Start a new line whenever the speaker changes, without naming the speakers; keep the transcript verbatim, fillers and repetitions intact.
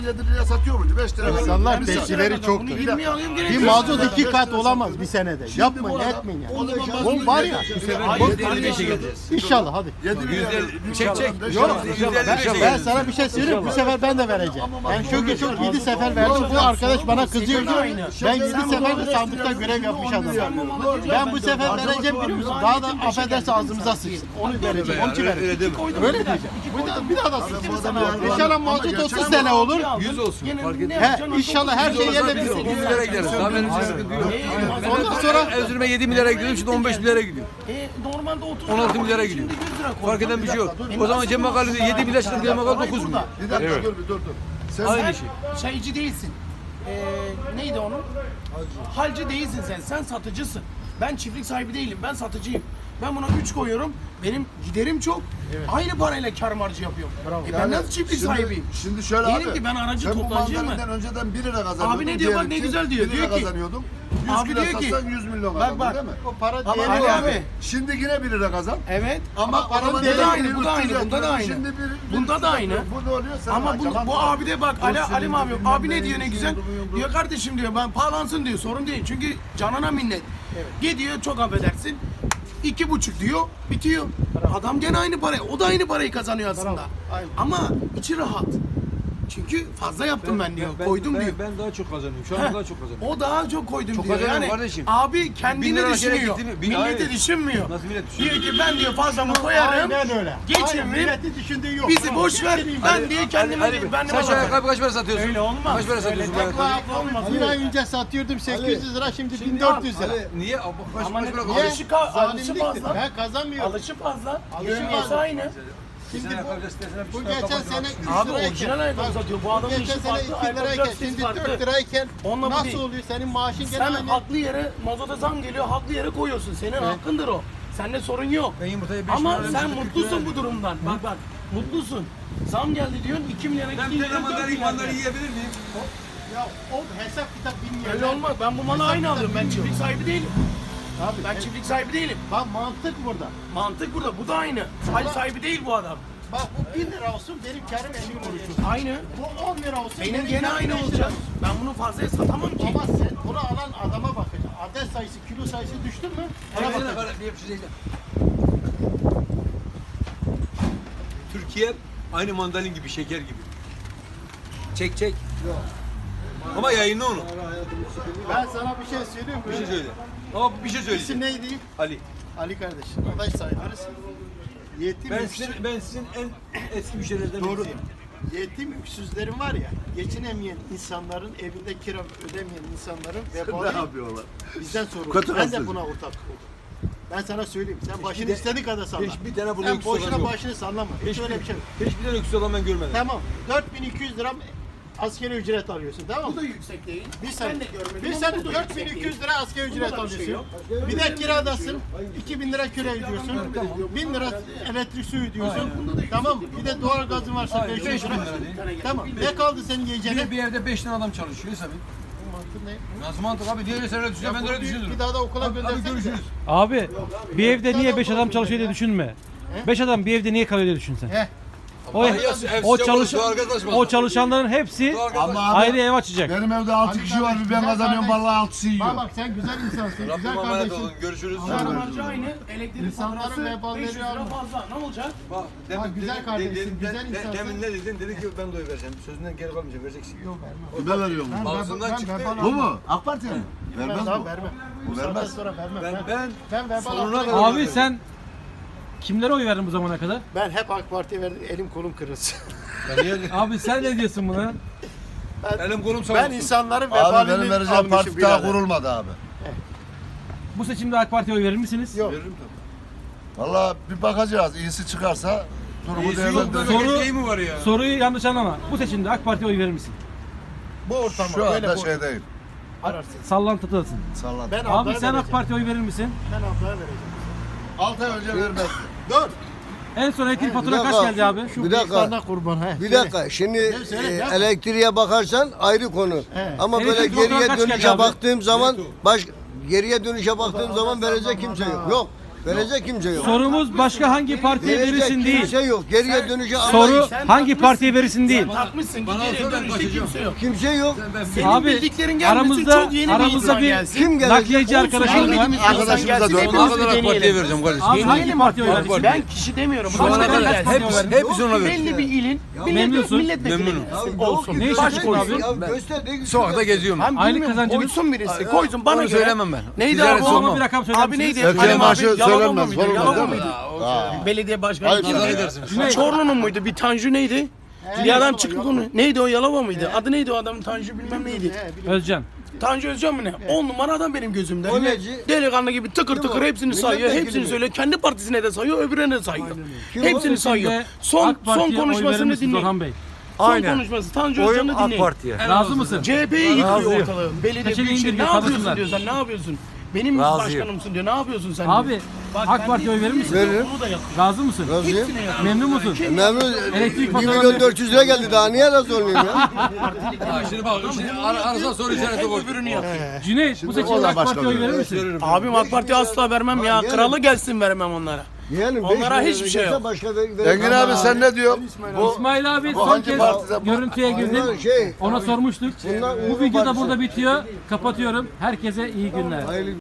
yedi liraya satıyor muydu? beş liraya.
İnsanlar
Yani
tepkileri çok.
yirmiye alayım gene.
Bir mazot iki kat olamaz bir senede.
Şimdi
Yapmayın,
bu adam-
etmeyin
o zaman
ya.
ben
Oğlum var ya.
bu
sefer
bu-
yüzde elli beşe geleceğiz.
İnşallah hadi.
yedi liraya.
Çek çek.
Yok,
yüzde elli
ben,
beşe
ben
geleceğiz.
sana bir şey söyleyeyim. Bu sefer ben de vereceğim. Ben çünkü çok yedi sefer verdim. Bu arkadaş bana kızıyor. Ben yedi sefer de sandıkta görev yapmış adamım. Ben bu sefer vereceğim biliyor musun? Daha da affederse ağzımıza sıçsın. Onu vereceğim. Onun için vereceğim. Öyle diyeceğim. Bir daha, bir daha da sıçsın. İnşallah mazot otuz sene olur.
yüz olsun. Fark etmez.
He, inşallah her şey yerine bir
on milyara gideriz. Daha benim için sıkıntı yok.
Ondan sonra
Erzurum'a yedi milyara gidiyorum, şimdi on beş milyara gidiyor.
E, normalde otuz
on altı milyara gidiyor.
Şimdi yüz lira koy.
Fark eden bir şey yok. O zaman Cem Makallı yedi milyar, şimdi Cem Makallı dokuz milyar.
Bir dakika dur bir dur dur. Sen
Aynı
Sen
şey.
şeyci değilsin. Ee, neydi onun? Halcı değilsin sen. Sen satıcısın. Ben çiftlik sahibi değilim. Ben satıcıyım. Ben buna üç koyuyorum. Benim giderim çok. Aynı parayla kar marjı yapıyorum. E ben
Yani
nasıl çiftlik
şimdi-
sahibiyim?
Şimdi şöyle
Diyelim
abi.
ki ben aracı
sen bu
toptancıyım
mandalinden önceden bir lira kazanıyordun.
Abi ne diyor bak,
diyelim
ne
ki
güzel diyor.
bir lira
Diyor ki-
kazanıyordun. yüz
Abi
kilo
diyor ki-
satsan yüz milyon
Bak,
kazandın
bak.
değil mi?
o para
Ama
değeri
Ali
var.
abi.
Şimdi yine bir lira kazan.
Evet.
Ama
Ama
paranın
bunda
değeri
da aynı,
bir
bu da aynı,
lira
bunda da aynı.
Şimdi bir- bir-
Bunda da aynı.
Bu ne oluyor? Sen
Ama bu,
yalan
bu
var.
abi de bak Ali,
Dur,
Alim
senin
abi,
bilmem
abi ne
neyin,
diyor ne
yumruğun,
güzel.
yumruğun.
Diyor kardeşim diyor ben pahalansın diyor, sorun değil. Çünkü canına minnet. Gidiyor çok affedersin. İki buçuk diyor, bitiyor. Adam gene aynı parayı, o da aynı parayı kazanıyor aslında. Ama içi rahat. Çünkü fazla yaptım ben, diyor, koydum
ben,
diyor.
Ben daha çok kazanıyorum. Şu an
Heh.
daha çok kazanıyorum.
O daha çok koydum
Çok
diyor.
kazanıyorum
Yani
kardeşim.
abi
Bin
kendini
lira aşağıya
düşünüyor.
gitti mi? Bin-
Milleti
hayır.
düşünmüyor.
Nasıl millet düşünüyor?
Diyor ki ben diyor fazlamı koyarım.
Aynen öyle. Aynen,
Geçiririm.
milletin düşündüğü yok.
Bizi
Bravo.
boş ver. Ben diye kendime
Ali Bey,
ben
sen şu ayakkabı kaç para satıyorsun?
Öyle olmaz.
Kaç para satıyorsun bu
Öyle
ayakkabıyı?
olmaz.
Bir ay önce satıyordum sekiz yüz lira, şimdi bin dört yüz lira.
Niye? Abi, Kaç,
Ama
kaç
ne-
para
Niye?
kazanıyorsun?
Alışı, ka- alışı
Zalimliktir.
fazla.
Ben kazanmıyorum.
Alışı fazla.
Alışı
Yövmiyesi
fazla.
aynı.
Şimdi
Sen
bu,
ayakkabı sitesine bir
bu
sürü
geçen
ayakkabı
sene
satıyorsun.
üç
Abi
lirayken,
orijinal ayakkabı
bak,
satıyor. Bu adamın
geçen
işi
sene
farklı.
iki
Ayakkabı
lirayken,
sitesi
şimdi
farklı.
dört lirayken
Onunla bu
nasıl
değil.
oluyor? Senin maaşın gene
Sen
aynı.
haklı yere mazota zam geliyor, haklı yere koyuyorsun. Senin hakkındır o. Sende sorun yok.
Ben yumurtayı beş
Ama
lira
sen
vermiştim,
mutlusun
kırk lira
bu durumdan. Bak bak, mutlusun. Zam geldi diyorsun, iki milyara
Ben
gitti.
bir
diyorsun,
tane
dört
mandalina
milyar
mandalina
geldi.
yiyebilir miyim?
Ya o hesap kitap bilmiyor.
Öyle olmaz. Ben bu malı aynı alıyorum. Ben çiftlik sahibi değilim.
Abi,
Ben çiftlik sahibi değilim.
bak mantık burada.
Mantık burada. Bu da aynı. Hal sahibi değil bu adam.
Bak bu bin lira olsun, benim karım elli kuruş.
Aynı.
Bu on lira olsun,
Benim gene
karım
aynı
beş lira.
olacak. Ben bunu fazlaya satamam ki.
Ama sen bunu alan adama bakacaksın. Adet sayısı, kilo sayısı düştü mü? Ona
Evet,
bakacaksın.
evet, bir yapışı değil. Türkiye aynı mandalin gibi, şeker gibi. Çek çek. Ama yayınla onu.
Ben sana bir şey söyleyeyim mi?
Bir şey söyle. Ama bir şey
İsim
söyleyeceğim.
neydi?
Ali.
Ali kardeşim. Adaş sayılırız. Yetim,
Ben
öksüz,
sizin, ben sizin en eski müşterilerden
Doğru.
birisiyim.
yetim öksüzlerin var ya, geçinemeyen insanların, evinde kira ödemeyen insanların
Ne
vebali
yapıyorlar?
bizden sorulur.
Kötü
Ben de
gazeteci.
buna ortak oldum. Ben sana söyleyeyim, sen başını
de-
istediğin kadar salla.
hiçbir tane bunun
Sen
öksüz olan
boşuna
yok.
başını sallama. Hiç öyle bir şey yok.
Hiçbir tane öksüz olan ben görmedim.
Tamam, dört bin iki yüz lira askeri ücret alıyorsun, tamam
Bu
mı?
da yüksek değil.
Bir
Ben
sene,
de görmedim
bir
ama
sene
bu da
dört bin
yüksek
iki
değil.
yüz lira asgari ücret
Bunda da bir şey
alıyorsun.
yok.
Bir de kiradasın, iki bin lira kira ödüyorsun, bin lira elektrik suyu ödüyorsun, tamam mı? Bir de doğal gazın varsa
Hayır,
beş yüz
beş bin
lira.
lira değil.
Tamam, ne kaldı senin
Bir,
yiyeceğine?
bir evde beş tane adam çalışıyor tabii.
Mantık ne?
Nasıl mantık abi? Diğer sen öyle düşünüyor, ben de öyle düşünüyorum.
Bir daha da okula
Abi, abi
göndersene.
görüşürüz.
Abi bir evde niye beş adam çalışıyor diye düşünme. Beş adam bir evde niye kalıyor diye düşün sen.
Heh.
O,
Abi, ya, ev
o,
sıcak
çalış,
olur, doğalgaz açmaz.
o çalışanların hepsi
Doğalgaz
Ama
ayrı ev açacak.
benim evde altı kişi var, bir ben kazanıyorum, vallahi altısı yiyor.
Bak bak sen güzel insansın,
Rabbim
güzel
emanet
kardeşim.
olun. Görüşürüz.
Kar marjı aynı. Elektrik
İnsanların
faturası
veballeri
beş yüz lira
alma.
fazla. Ne olacak?
Bak,
Bak, güzel
demin-
kardeşsin,
demin-
güzel
demin-
insansın.
Demin ne dedin? Dedi ki ben de oy vereceğim. Sözünden geri kalmayacak, vereceksin.
Yok vermem.
Kime veriyorum
Ben,
bunu?
ben,
Ağzından
ben,
çıktı.
verbal
Bu
almam.
mu? AK Parti'ye mi?
Ben
Vermez
daha
bu.
vermem.
Bu
Bu saatten
vermez.
sonra vermem.
Ben
Ben,
ben
ben verbal
sonuna
almam.
kadar-
Abi sen kimlere oy verdin bu zamana kadar?
Ben hep AK Parti'ye verdim, elim kolum kırılsın.
Abi sen ne diyorsun buna?
elim kolum savunsun.
Ben insanların
Abi benim
vebalini
vereceğim
almışım
parti daha
birader.
kurulmadı abi.
Bu seçimde AK Parti'ye oy verir misiniz?
Yok.
Veririm tabii.
Vallahi bir bakacağız. İyisi çıkarsa durumu
İyisi yok,
değerlendiririz.
Soru-
memleket şeyi mi var ya?
Soruyu yanlış anlama. Bu seçimde AK Parti'ye oy verir misin?
Bu ortama
Şu
böyle
anda
bu
şey değil.
ararsın.
Sallantıdasın.
Salladım.
Ben
Abi
ablaya
sen AK
vereceğim.
Parti'ye oy verir misin?
Ben ablaya vereceğim.
altı ay önce vermezdi.
Dur.
En son elektrik fatura
bir
kaç
dakika.
geldi abi?
Şu
Bir dakika.
bıyıklarına kurban. He.
Bir
söyle.
dakika şimdi
söyle,
e,
yapma.
elektriğe bakarsan ayrı konu.
Evet.
Ama
Elektrik
böyle
faturaları
geriye
kaç geldi
dönüşe
abi?
baktığım zaman baş geriye dönüşe baktığım zaman verecek kimse yok. Yok. Verecek kimse yok.
Sorumuz başka hangi partiye
Verecek
verirsin değil.
kimse yok. Geriye dönüşe
Soru
Sen
hangi
takmışsın.
partiye verirsin değil.
Takmışsın
Bana
geriye
sor, ben
dönüşte
bakacağım.
kimse yok.
kimse yok.
Senin
Abi,
bildiklerin gelmesin,
aramızda-
çok yeni bir
aramızda
insan
bir-
gelsin.
Kim gelecek?
Nakliyeci arkadaşımız var.
Bilmediğimiz insan
Arkadaşımıza
gelsin,
dön.
hepimiz
Sonuna kadar AK
deneyelim.
Parti'ye vereceğim kardeşim.
Abi hangi partiye oy vereceksin?
Ben kişi demiyorum.
Şu ana
Başka
kadar
gelsin.
hepsi-
Hepsi, hepsi ona verir.
Belli bir ilin
Memnunsun.
millet, milletvekili
Memnunum.
olsun.
Ne iş
Baş
yapıyorsun
koysun.
abi?
Ya göster de
Sokakta geziyorum.
Ben
Aylık
bilmiyorum,
kazancınız?
koysun birisi. Koysun bana
Onu
göre.
söylemem ben.
Neydi
Ticaret
abi?
sormam.
Ama bir rakam söyler
Abi neydi?
misiniz?
Erkeğe
Kalem
maaşı
abi, Yalova
söylenmez,
mıydı?
sorulmaz,
Yalova
değil mi?
mıydı? Belediye başkanı.
Pazar
kimdi?
edersiniz.
Çorlu'nun muydu? Bir Tanju neydi? Bir adam çıktı konu. Neydi o, Yalova mıydı? Adı neydi o adamın? Tanju bilmem neydi.
Özcan.
Tanju Özcan mı ne? On numara adam benim gözümde.
O neci?
Delikanlı gibi tıkır tıkır hepsini sayıyor.
Milletvekili
Hepsini
mi?
söylüyor. Kendi partisine de sayıyor, öbürüne de sayıyor.
Kim
Hepsini
o?
sayıyor.
Şimdi
Son
AK
son
Parti'ye oy verir
konuşmasını
misiniz
dinleyin.
Orhan Bey?
Son konuşması. Tanju Özcan'ı dinleyin.
Razı mısın?
C H P'yi yıkıyor ortalığı. Belediye
Peçeneyi
büyükşehir.
indir
Ne
diyor,
yapıyorsun
tanısınlar.
diyor sen, ne yapıyorsun? Benim başkanımsın diyor, ne yapıyorsun sen
Abi
diyor. Bak,
AK
ben
Parti'ye
de-
oy verir misin?
Veririm.
Bunu da yap.
Razı mısın?
Razıyım.
Hepsine yap.
Memnun musun?
Memnun.
Elektrik
bir
faturaları-
milyon dört yüz lira geldi daha niye razı olmayayım ya?
Ha, şimdi bak, şimdi ar arasına soru işareti koy.
Öbürünü yap.
Cüneyt bu seçimde AK Parti'ye oy verir misin?
Abim AK Parti'ye asla vermem ya.
Yani-
Kralı gelsin vermem onlara.
Yeğenim,
Onlara
beş
hiçbir
milyon
şey
gelse
yok.
Başka ver, ver-
Engin abi sen ne diyorsun? Bu
İsmail abi
bu
son
hangi
kez
partide bu?
görüntüye girdim.
Bunlar şey,
Ona sormuştuk.
bunlar
Bu
Uğur
video da
Partisi.
burada bitiyor. Kapatıyorum. Herkese iyi günler.
Hayırlı